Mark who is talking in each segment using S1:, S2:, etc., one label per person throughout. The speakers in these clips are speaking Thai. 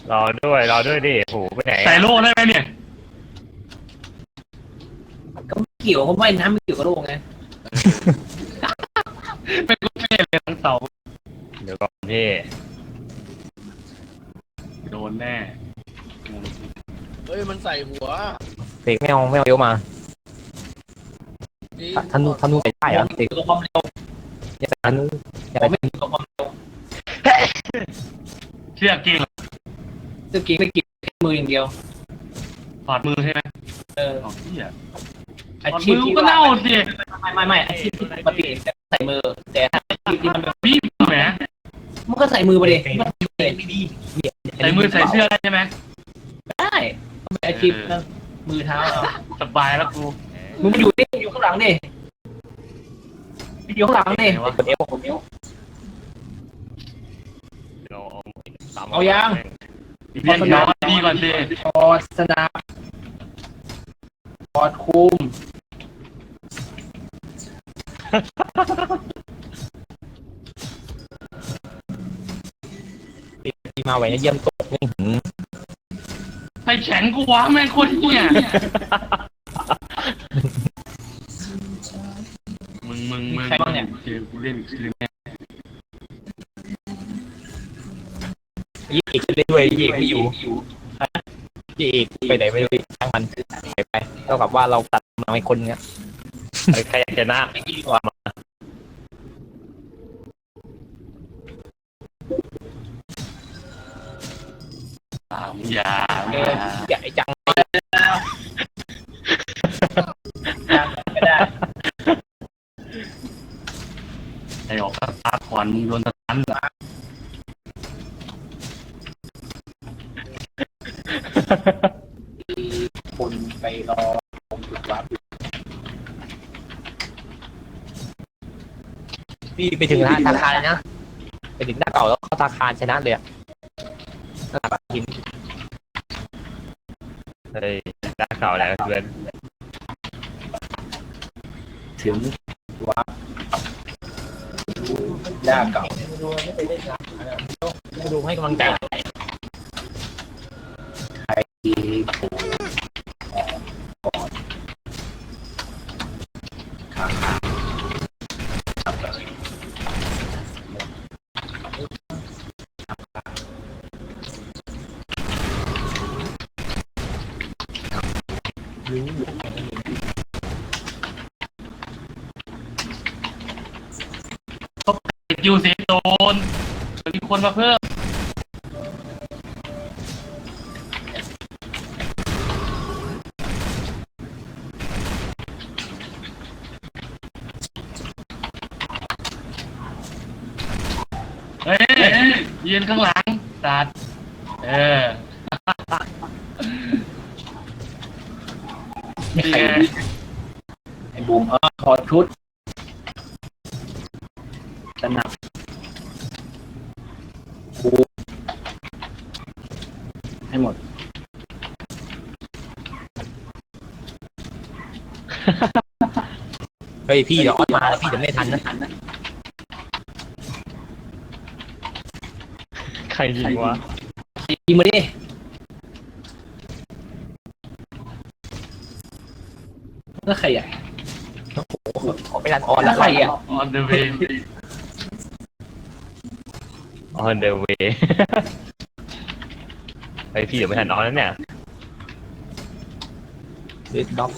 S1: รอด้วยดิโหไปไหน
S2: ใส่โล่ได้ไหมเนี่ย
S3: ก็ไม่เกี่ยวเขาไม่น้ำไม่เกี่ยวกับโลกไง
S2: เป็นกุเท่เลยทั้งเสา
S1: เดี๋ยวก่อนพี่
S2: โดนแน่
S4: เฮ้ยมันใส่หัว
S5: เสกไม่เอาเยอะมา
S4: จริง
S5: ธนูใส่ได้เหรอเสก
S3: ตัวความเร็ว
S5: อย่าใส่ธนูอย่า
S3: ผม
S5: ใส่
S3: ไม่มีตัวความเร็ว
S2: เชือกจริงเหรอ
S3: สกิลไม่เกี่ยวแค่มืออย่างเดียว
S2: ถอดมือใช่ไหม
S3: เออ
S2: ถอดที่อ่ะถ
S3: อา
S2: อด
S3: ชี
S2: มื
S3: พ
S2: อ
S3: ที่
S2: ก็
S3: ว่า
S2: เน่าสิ
S3: ไม่อาชีพที่ปกติใส่มือแต่ถ้าอาชีพที่มันแบบ
S2: พี่แหม
S3: มันก็ใส่มือไปเลย
S2: ใส่มือใส่เสื้อได้ใช่ไหม
S3: ได้มันเป็นอาชีพมือเท้าเอา
S2: สบายแล้วกู
S3: มึงมาอยู่ดิอยู่ข้างหลังดิอยู่ข้างหลังดิ
S2: ไหนวะ
S5: กดเอฟ
S3: เอายัง
S2: เรียนย้อนดีก่อนสิ
S3: ถอดสนับถอดคุม
S5: ที่มาไว้เยี่ยมตกนี่หืม
S2: ไฟแข็งกูวะแม่งโคตรเหี้ยมึงเจอกูเล่นอีกคืนแน่
S5: ยี่เอกเล่นด้วยยี่เอกไม่อยู่ยี่เอกไปไหนไม่รู้ช่างมันหายไปเท่ากับว่าเราตัดมาเป็นคนเนี้ย
S1: ใครอยากชนะ
S5: ไม่ดีกว่ามา
S2: อย่า
S5: อย่าไอ้จัง
S3: ก็ได้
S2: ไอ้ออกสตาร์ทก่อนมึงโดนสตันเหรอ
S3: คนไปรอผมจุดวัด
S5: พี่ไปถึงธนาคารเลยนะไปถึงหน้าเก่าแล้วเข้าธนาคารชนะเลยอะหน้าบัตรทิน
S1: เฮ้ยได้ข่าวแล้วเพื่อน
S3: ถึงวัดหน้าเก่า
S5: ดูให้กำลังใจ
S3: ที่ผมข้าง
S2: คิวสีโดนมีคนมาเพิ่มเฮ้ยยืนข้างหลังตัดเออ
S3: ไม่ใครไอ้บูมถอดชุดสนับบูมให้หมด
S5: เฮ้ยพี่เดี๋ยวออดมาแล้วพี่เดี๋ยวไม่ทันนะ
S1: ใครยิงวะ
S3: ยิงมาดิแล้วใครอ่ะ
S5: ขอไม่ทันออนแล้ว
S3: ใครอ่ะ
S2: on the way
S1: on the way ไอพี่เดี๋ยวไม่ทันออนแล้วเนี่ย
S5: เด็ดด็อก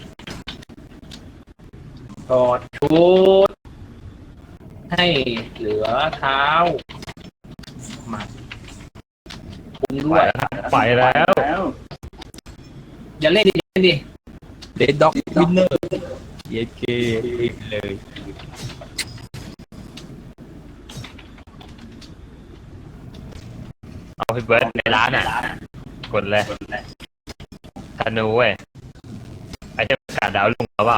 S3: ถอดชุดให้เหลือเท้าหมัดคุมด้วย
S1: ไปแล้ว
S3: อย่าเล่นดิอย่าเล่นดิ
S5: เด็ดด็อกวินเนอร์เย้เกเลย
S1: เอาพี่เบิร์ดในร้านอ่ะกดเลยธนูเว้ยไอ้เจ้าประกาศดาวลุงเขาเปล่า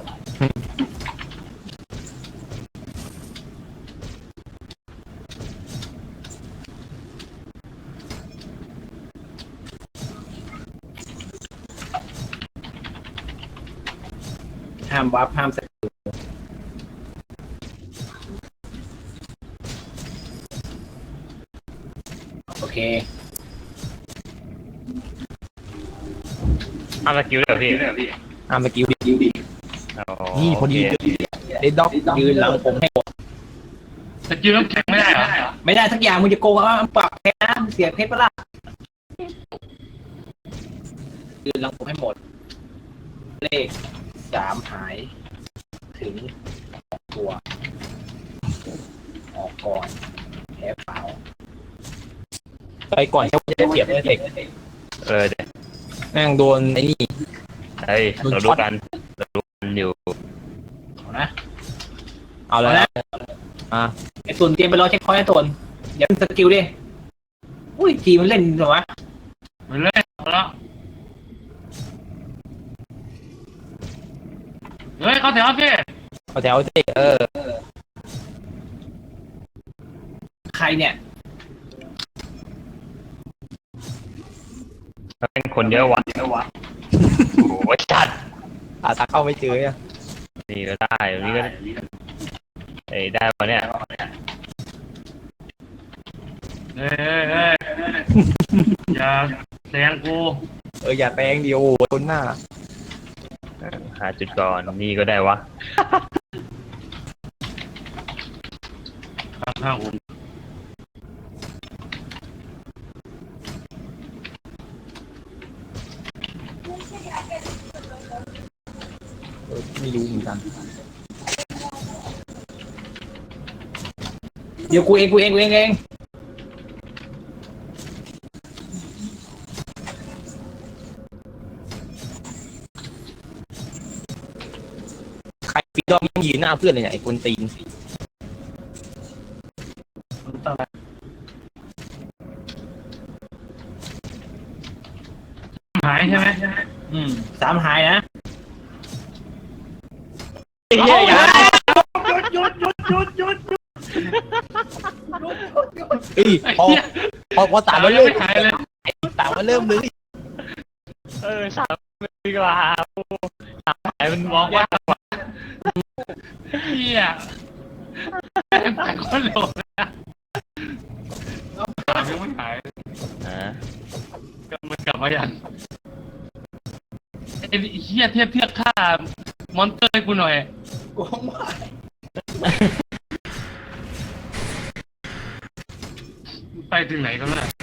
S3: ห้ามวับห้ามใส่โอเค
S1: เอาสกิลเดี๋ยวพี่
S5: ห้ามสกิลดิ
S1: อ๋อ
S5: นี่พอดี
S1: โเค
S5: เดดด็อกยืนหลังผมให้หมด
S2: สกิลน้ำแข็งไม่ได้เหรอ
S5: ไม่ได้สักอย่างมึงจะโกงว่าปรับเพชรนะมึงเสียเพชรปะล่ะยืนหลังผมให้หมด เลข3หายถึงตัวออกก่อนแพ้เปล่าไปก่อนเขาจะได้เปรียบเลยเด็ก
S1: เดี๋ยว
S5: แม่งโดนไอ้นี่
S1: เฮ้ยเรารู้กันอยู่
S5: เอานะเอาแล้วนะไอ้ตุนเตรียมไปรอเช็คพอยต์ไอ้ตุนอย่าเป็นสกิลดิอุ้ยทีมันเล่นเหรอวะ
S2: ไปเลยแล้วเฮ้ยเขาแถวสิ
S5: เอาแถวสิใครเนี่ย
S1: เป็นคนเยอะวะโอ้ยจัด
S5: ตาเข้าไม่เจออ่ะ
S1: นี่ก็ได้ตรงนี้ก็ได้วะเนี่ย
S2: เฮ้ยอย่าแซงกู
S5: อย่าแตงเดียวคนหน้า
S1: หาจุดก่อนนี่ก็ได้วะ
S2: ข้างๆผม
S5: ไม่รู้เหมือนกันเดี๋ยวกูเองใครฟีดอมยืนหน้าเพื่อนเลยเนี่ยไอ้คนตีน
S2: หายใช่ไหม
S5: 3หายนะ
S1: เฮ้ยอย่า
S5: พอสาม
S2: เรา
S5: มา
S2: ยัง
S5: เริ่ม
S2: ไม่หายเลย
S5: สามมาเริ่มเลย
S1: สามดีกว่าสามหายมันมองว่า
S2: เฮียหายคนโหลดนะยังไม่หายมันกลับมาอย่างไอ้เฮียเทียบค่ามอนเตอร์ให้กูหน่อย
S5: โกงว่า
S2: ไปถึงไหนกันล่ะ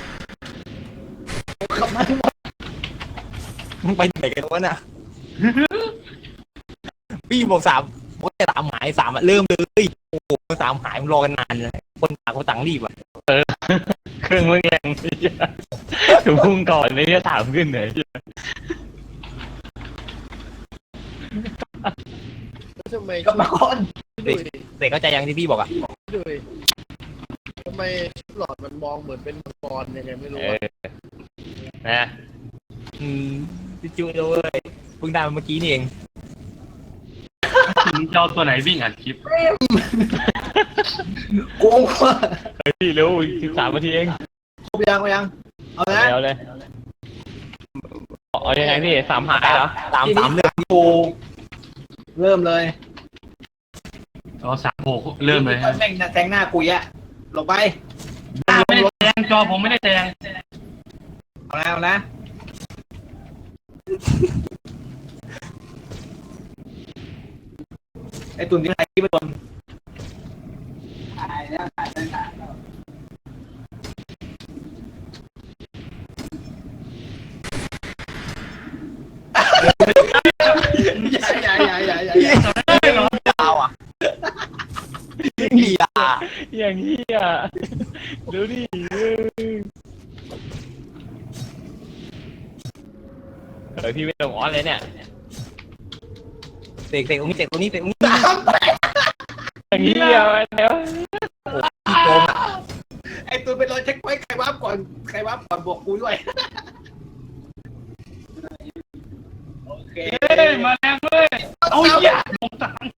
S5: ขับมาทั้งหมดมึงไปไหนกันวะน่ะพี่บอกบอกจะ3หาย3เริ่มเลยโอ้โห3หายมึงรอกันนานเลยคนต่างรีบอ่ะ
S1: เครื่องมึงแรงถูกพุ่งก่อนไม่ได้ถามขึ้นไหน
S4: แล้วทำไม
S5: ก็มาก่อน
S4: ดูดิ
S5: เด็กเข้าใจยังที่พี่บอกอ่ะ
S4: ดูดิทำไมชุดหลอดมันมองเหมือนเป็นมังกรยังไงไม่รู้อะ
S1: นะ
S5: จุ๊เลยเพิ่งได้มาเมื่อกี้นี่เอง
S2: ถึงเจ้าตัวไหนวิ่งอัดคลิป
S5: โกงว่ะ
S1: พี่เร็ว13 นาทีเอง
S5: ครบยังเอานะ
S1: แล้วเลยเอายังไงพี่3หายเหรอ
S5: 3เรื่องโกเริ่มเลย
S2: อ๋อ3-6เริ่มเลย
S5: แม่งแทงหน้ากุยอะลงไป
S2: ไม่ได้แซงจอผมไม่ได้แซง
S5: เอานะไอ้ตุ่นที่ไหนที่ไปตุ่น
S4: อย่า
S5: ดาวอ่ะเฮีย
S1: อย่างเฮียดูดิพี่ไม่ต้องอ้อนเลยเนี่ย
S5: เตะตรงนี้
S1: อย่างเฮียแล้ว
S5: พี่โกงไอ้ตุ่นไปรอเช็คไว้ใครวับก่อนบวกกูด้วยโอเค
S2: เฮ้ยมาแล้วเว้ยเอาอย่าลงทาง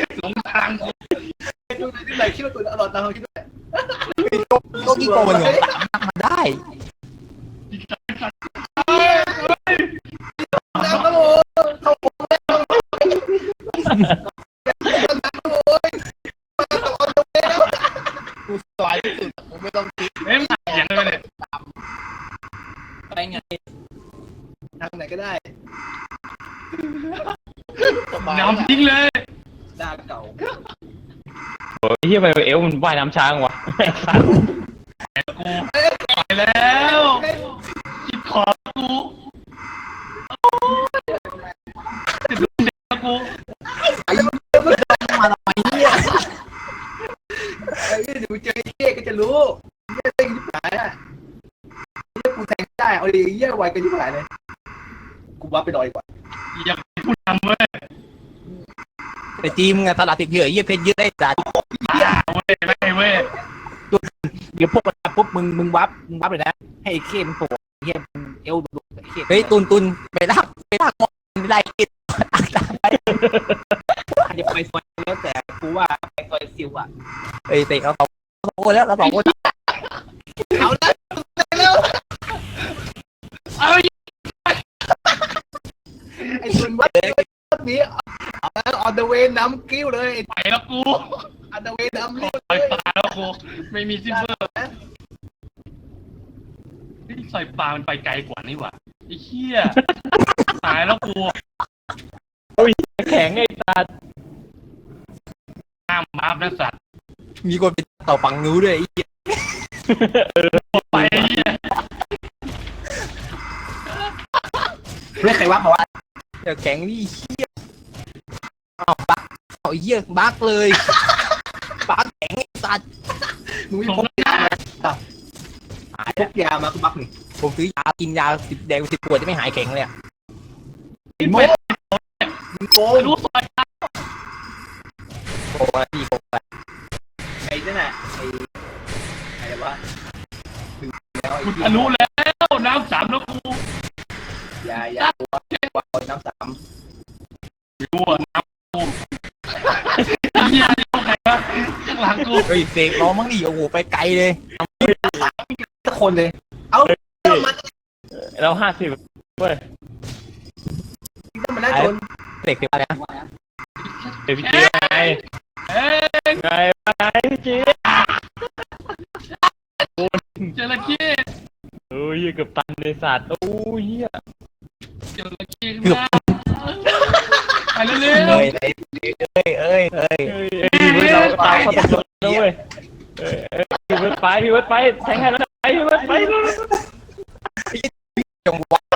S5: ไอ้ตุ่นที่ไหนคิดว่าตุ่นอร่อยตามเขาคิดด้วยโลกี้โกงเหรอมาได้
S4: กูสายที่สุดผมไม่ต้องคิด
S2: เฮ้ยมันอย่างเลยเนี่ย
S5: ไปไงทางไหนก็ได้
S4: บาย
S2: น้ำทิ้งเลย
S5: ดาเก่า
S1: โอ้ยเฮียไปเอวมันว่ายน้ำช้างวะ
S2: กูไปแล้วคิดขอกูจะดูเด็กกู
S5: ไอ้เหี้ยมันจะมาทำไมเนี่ยไอ้เหี้ยเดี๋ยวเจอไอ้เหี้ยก็จะรู้เหี้ยเต้นยิบหายอ่ะเหี้ยกูแทงได้เอาดิเหี้ยไวกันยิบหายเลยกูว่าไปนอนดีกว่า
S2: อย่าเป็นผู้นำเว้ย
S6: ไอ้จีมไงตลาดติดเหยื่อเยี่ยเพชรเยอะได้จัด
S2: เว้ยไม่เว้ย
S6: เดี๋ยวพวกมันปุ๊บมึงวับเลยนะให้ไอ้เข้มันโผล่เยี่ยมันเอวดุไอ้เข้เฮ้ยตุนไปลากมองไม่ได้กินอาจจะไปซอยแล้วแต่กูว่าไปซอยซิวอ่ะเอ้ยเตะเราสองคนแล้วเราสองคนเอาแล้ว
S2: เอา
S5: ไอ้ส่วนวัดนี้เอาแล้วออนเดอะเวย์น้ำกิ้วเลย
S2: ไปแล้วกู
S5: ออนเดอะเวย์น้ำรีบ
S2: ไปตายแล้วกูไม่มีซิมเบอร์นี่ใส่ปลามันไปไกลกว่านี่หว่าไอ้เหี้ยตายแล้วกู
S1: แข็งไอ้ตา
S2: ห้ามมาบนะสัตว์
S6: มีคนไปต่อฝั่งนู้นด้วยไอ้เหี้ย
S2: ไปไอ้เหี้ย
S5: เรียกใครวัดมาว่า
S6: เดี๋ยวแข็งนี่เหี้ยเอาบักเอาเหี้ยบักเลยบักแข็งไอ้สัตว์
S5: มึง
S2: สม
S5: พก
S2: น้ำหน้า
S5: พกยามาก็บักนี่
S6: ผมซื้อยากินยา10 แดง10 ขวดจะไม่หายแข็งเลยอ่ะ
S5: ไอ้โม่มึงโกง
S2: รู้ซอย
S6: โอ้ยพี่โอ้ย
S5: ไอ้นั่นน่ะไอ้อะไรวะถึงแล้วไอ้
S2: กู
S5: ที่
S2: ทะลุแล้วน้ำสามแล้วกู
S5: ยาตัวน้ำสาม
S2: รู้ว่าน้ำกูไอ้เหี้ยเอาใครวะข้างหลังกู
S6: เฮ้ยเสกร้องมั้งดิโอ้โหไปไกลเลย
S5: ทุกคนเลย เอามา
S1: เรา50เว้ย
S5: ต้องมาได้ชน
S6: เสกเป็นอะไรนะ
S1: เดี๋ยวพี่จีไง
S2: เอ้ย
S1: ไงพี่จี
S2: จระเข้
S1: โอ้ยเกือบตันเลยสัตว์โอ้ยเฮีย
S2: จระเข้ขึ้นมาไปเร็ว
S6: เอ้ยเอ้ย
S1: เฮ้ยพี่เวิร์ดเราตามเขาตกลงแล้วเว้ยพี่เวิร์ดไปแทงให้แล้วไปพี่เวิร์ดไป
S6: จงวะ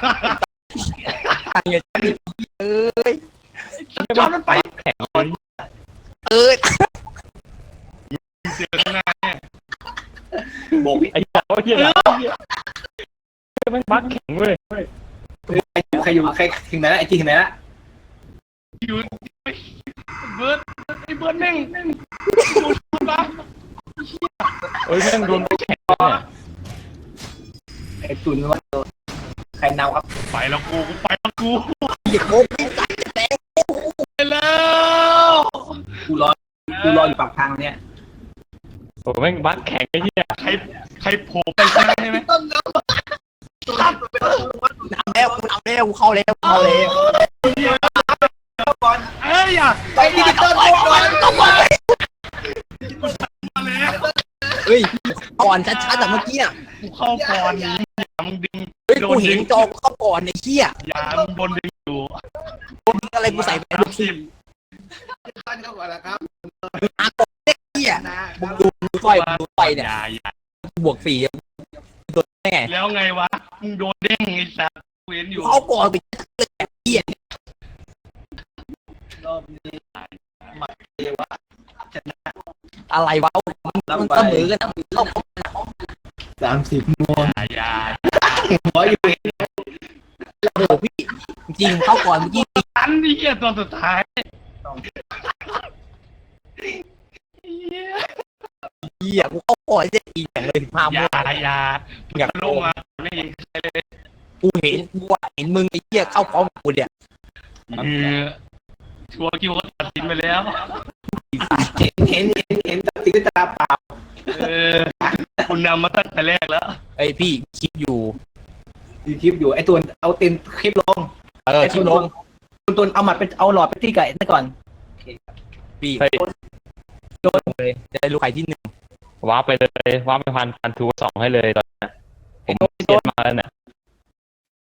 S6: เงี้ยเอ้ย
S2: ๆจอดมันไป
S1: แข็งเลย
S6: เอ้ย
S2: เสือข้างหน้าเนี่ย
S5: โบก
S1: ไอ้เหี้ยเหี้ยมันบักแข็งเว้ย
S5: ใครอยู่ใครถึงไหนละไอ้จีถึงไหนละ
S2: อยู่เบิร์ดไอ้เบิร์ดแม่งดูบ้า
S1: โอ้ยแม่งโดนบักแข็งเนี่ย
S5: ไอ้ตุนว่าใครนำครับ
S2: ไปแล้วกูไปแล้วกู
S6: อย่าโค้ง
S2: ไปแล้ว
S5: กูรออยู่ปากทางเนี่ย
S1: โอ้แม่งบักแข็งไอ้เหี้ย
S2: ใครโผล่ไปใช่ไหม
S6: นำแล้วกูเข้าแล้ว
S2: เอ้ยอย่า
S5: ไปดิจิตอลก่อน
S2: มาแล้ว
S6: เฮ้ยก่อนชัดๆแต่เมื่อกี้อ่ะ
S2: กูเข้าก่อนนี้อย่ามึงดึง
S6: เฮ้ยกูเห็นจอเข้าก่อนไอ้เหี้ย
S2: อย่ามึงบนดึงอยู่
S6: อะไรกูใส่ไปลูก
S2: สิบ
S5: ท่านเข้าก่อนแล้วครับ
S6: มาก่อนไอ้เหี้ยมึงดูไฟเนี่ย
S2: อย่า
S6: บวก4ตัวได้ไง
S2: แล้วไงวะมึงโดนเด้งไอ้สัตว์เว้นอยู่
S6: เข้าก่อนไปเหี้ย
S5: รอบนี้มาเรียกว่าชนะ
S6: อะไรวะมันเสมอกันเข้า
S5: 30โมง
S2: อย่า
S5: หัวอยู่เอง
S6: โอ้โหพี่จริงเข้าก่อนเมื่อกี้
S2: อันนี้เหี้ยตัวสุดท้าย
S6: เหี้ยกูเข้าก่อนจะอีกอย่างเลย15
S2: อย่า
S6: โมง
S2: อย่า
S6: อยาก
S2: ลงมาไม่เห็นใครเลย
S6: กูเห็นมึงไอ้เหี้ยเข้าพร้อมกูเนี่ย
S2: ชัวร์คิวเขาตัดสินไปแล้ว
S5: เห็นตัดสินด้วยตาเปล่า
S2: คุณนำมาตั้งแต่แรกแล้ว
S6: ไอพี่คิดอยู่
S5: ดูคลิปอยู่ไอ้ตัวเอาเต็นคลิปลง
S6: คิดลง
S5: ตัวเอาหมัดไปเอาหลอดไปที่ไก่นั่นก่อน
S6: พี่โดนเลยได้ลูกไข่ที่1
S1: ว้าไปเลยว้าไปพันทู2ให้เลยตอนนี้